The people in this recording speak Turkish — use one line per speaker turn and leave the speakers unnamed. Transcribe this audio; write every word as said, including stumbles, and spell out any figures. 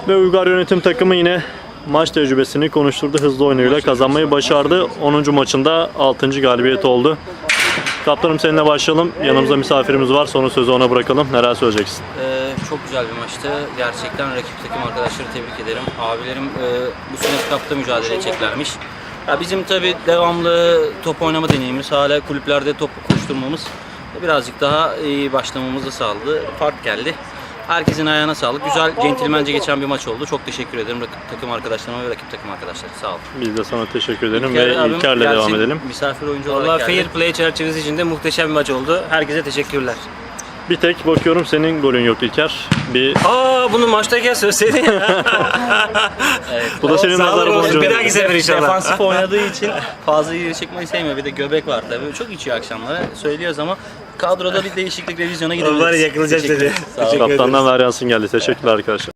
Ve Uygar Yönetim takımı yine maç tecrübesini konuşturdu. Hızlı oyunuyla kazanmayı başardı. onuncu maçında altıncı galibiyet oldu. Kaptanım seninle başlayalım. Yanımızda misafirimiz var. Sonra sözü ona bırakalım. Neler söyleyeceksin?
Ee, çok güzel bir maçtı. Gerçekten rakip takım arkadaşları tebrik ederim. Abilerim e, bu sene Cup'ta mücadele edeceklermiş. Ya bizim tabi devamlı top oynama deneyimimiz, hala kulüplerde top koşturmamız birazcık daha iyi başlamamızı sağladı. Fark geldi. Herkesin ayağına sağlık. Güzel, centilmence geçen bir maç oldu. Çok teşekkür ederim rakip takım arkadaşlarıma ve rakip takım arkadaşları. Sağ olun.
Biz de sana teşekkür edelim
İlker
ve
abim
İlker'le
gelsin,
devam edelim.
Misafir oyuncu
Vallahi
olarak geldi.
fair play çerçevesi içinde muhteşem bir maç oldu. Herkese teşekkürler.
Bir tek bakıyorum senin golün yok İlker. Bir
Aa bunu maçtayken söyleseydin ya.
Evet.
bu da senin
Sağ
nazar
olun,
boncuğun.
bir dahaki sefer inşallah.
Defansif oynadığı için fazla ileri çekmeyi sevmiyor. Bir de göbek var tabii. Çok içiyor akşamları. Söylüyoruz ama kadroda bir değişiklik, revizyona gidebiliriz.
Onları yakılacağız
Teşekkür
dedi.
ederim. Sağ olun.
Teşekkür
Kaptandan varyansın geldi. Teşekkürler arkadaşlar.